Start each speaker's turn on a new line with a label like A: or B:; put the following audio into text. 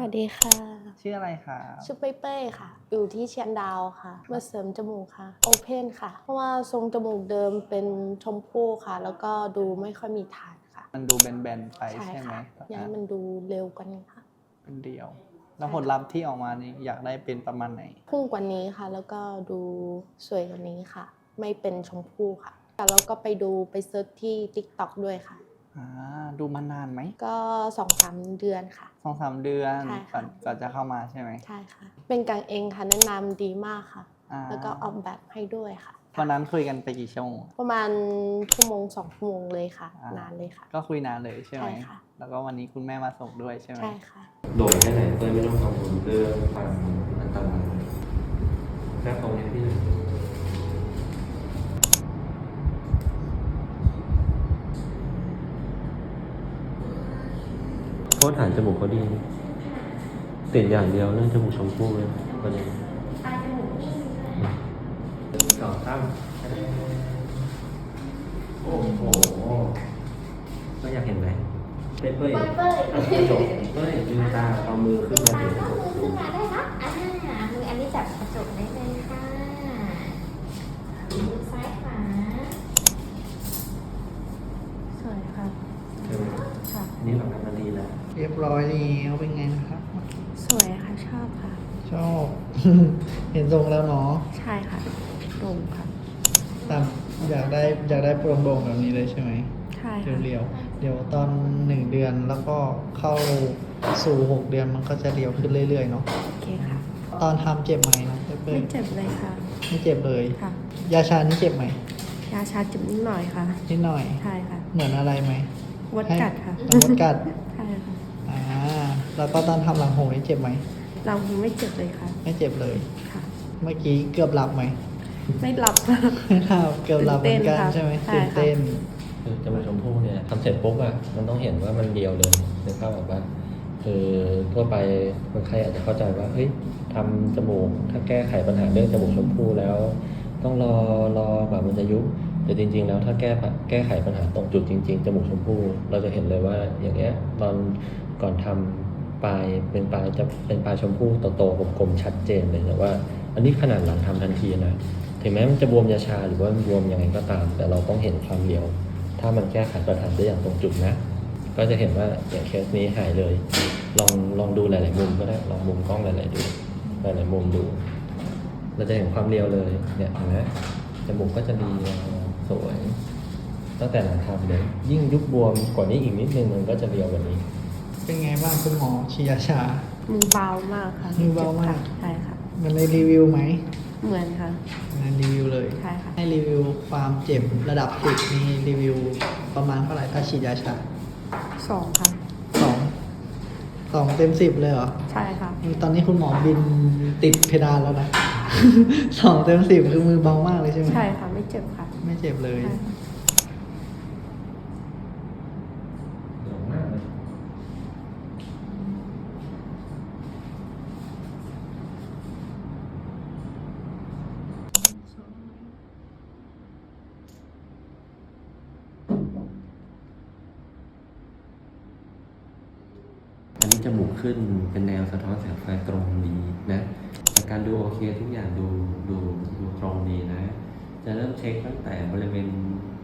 A: วัสดีค่ะ
B: ชื่ออะไรคะ
A: ชื่อเป้ๆค่ะอยู่ที่เชียงดาวค่ะมาเสริมจมูกค่ะโอเพนค่ะเพราะว่าทรงจมูกเดิมเป็นชมพู่ค่ะแล้วก็ดูไม่ค่อยมีฐานค่ะ
B: มันดูแบนๆไปใช่ไหม
A: อยากให้มันดูเร็วกว่านี้ค่ะ
B: เป็นเดียวแล้วผลลัพธ์ที่ออกมานี่อยากได้เป็นประมาณไหน
A: พุ่งกว่านี้ค่ะแล้วก็ดูสวยกว่านี้ค่ะไม่เป็นชมพู่ค่ะแล้วก็ไปเซิร์ชที่ TikTok ด้วยค่ะ
B: ดูมานานไหม
A: ก็ 2-3 เดือนค่ะ
B: 2-3 เดือน
A: ใช่ค่ะ
B: ก่อนจะเข้ามาใช่ไหม
A: ใช่ค่ะเป็นกางเองค่ะแนะนำดีมากค่ะแล้วก็ออกแบบให้ด้วยค่ะ
B: วันนั้นคุยกันไปกี่ชั่วโมง
A: ประมาณ1-2 ชั่วโมงเลยค่ะนานเลยค่ะ
B: ก็คุยนานเลยใช่ไหม
A: ใช่ค่ะ
B: แล้วก็วันนี้คุณแม่มาส่งด้วยใช่ไหม
A: ใช่ค่ะ
C: โดดแค่ไหนเพื่อไม่ต้องกังวลเรื่องความอันตรายแค่ตรงนี้พี่โทษฐานจมูกเขาดีติดอย่างเดียวเรื่องจมูกชมพู่เลยประเด็นปลายจมูกสองตั้งโอ้โหก็อยากเห็นไหมเป้ยจบเป้ยลืมตาเอามือขึ้นมาถึงกดดู
D: ได้นะมืออันนี้จับกระจกได้เลยค่ะมือซ้ายขวา
A: สวยค่ะ
C: ใช่ไหม
A: ค่ะ
C: อันนี้หลังการดีแล้ว
B: เรียบร้อยแล้วเป็นไงนะครับ
A: สวยค่ะชอบค่ะ
B: ชอบ เห็นทรงแล้วเนาะ
A: ใช่ค่ะตรงค่ะ
B: ตามอยากได้โปร่งๆแบบนี้เลยใช่ไหม
A: ใช่ค่ะ
B: เรียวๆเดี๋ยวตอน1 เดือนแล้วก็เข้าสู่6 เดือนมันก็จะเรียวขึ้นเรื่อยๆเนาะ
A: โอเคค่ะ
B: ตอนทำเจ็บไหมนะเป้
A: ไม่
B: ย
A: เจ็บเลยค่ะ
B: ไม่เจ็บเลย
A: ค่ะ
B: ยาชานี่เจ็บไหม
A: ยาชาเจ็บนิดหน่อยค่ะ
B: นิดหน่อย
A: ใช่ค่ะ
B: เหมือนอะไรไหม
A: วัดกัดค่ะ
B: มดกัด
A: ใช่ค่ะ
B: แล้วก็ตอนทำหลังหูนี่เจ็บไหม
A: เราไม่เจ็บเลยค่ะ
B: ไม่เจ็บเลย
A: ค่ะ
B: เมื่อกี้เกือบหลับไหม
A: ไม่หลับค่ะ
B: ไม่หลับเกือบหลับเหมือนกัน
A: ตื่นเต้นค่ะ
B: ใช่ไหม
A: ใช่
B: ตื่น
A: ค่ะ
B: เต้น
C: คือจมูกชมพู่เนี่ยทำเสร็จปุ๊บอะมันต้องเห็นว่ามันเรียวเลยนึกภาพออกปะคือทั่วไปคนไข้อาจจะเข้าใจว่าเฮ้ยทำจมูกถ้าแก้ไขปัญหาเรื่องจมูกชมพู่แล้ว ต้องรอกว่ามันจะยุบแต่จริง ๆ แล้วถ้าแก้ไขปัญหาตรงจุดจริง ๆ จมูกชมพู่เราจะเห็นเลยว่าอย่างเงี้ยตอนก่อนทำปลายเป็นปลายจะเป็นปลายชมพู่โตๆกลมๆชัดเจนเลยแต่ว่า อันนี้ขนาดหลังทำทันทีนะถึงแม้มันจะบวมยาชาหรือว่าบวมยังไงก็ตาม แต่เราต้องเห็นความเรียว ถ้ามันแก้ไขปัญหาได้อย่างตรงจุดนะ ก็จะเห็นว่าอย่างเคสนี้หายเลย ลองดูหลายๆมุมก็ได้ลองมุมกล้องหลายๆมุมดู เราจะเห็นความเรียวเลยเนี่ยเห็นไหมจมูกก็จะมีสวย ตั้งแต่หลังทำเลยยิ่งยุบบวมกว่านี้อีกนิดนึงมันก็จะเรียวกว่านี้
B: เป็นไงบ้างคุณหมอชียาชา
A: มือเบามากค่ะ
B: มือเบามาก
A: ใช่ค่ะ
B: มันเลยรีวิวไหม
A: เหมือนค่ะ
B: มันรีวิวเลย
A: ใช่ค่ะ
B: ให้รีวิวความเจ็บระดับ10มีรีวิวประมาณเท่าไหร่ถ้าฉีดยาชา
A: 2 ค่ะ
B: 2เต็ม10เลยเหรอ
A: ใช่ค่ะ
B: ตอนนี้คุณหมอบินติดเพดานแล้วนะ 2 เต็ม 10คือมือเบามากเลยใช่ไหม
A: ใช่ค่ะไม่เจ็บค่ะ
B: ไม่เจ็บเลย
A: ใช่ค่ะ
C: อันนี้จมูกขึ้นเป็นแนวสะท้อนแสงไฟตรงดีนะแต่การดูโอเคทุกอย่างดูตรงดีนะ จะเริ่มเช็คตั้งแต่บริเวณ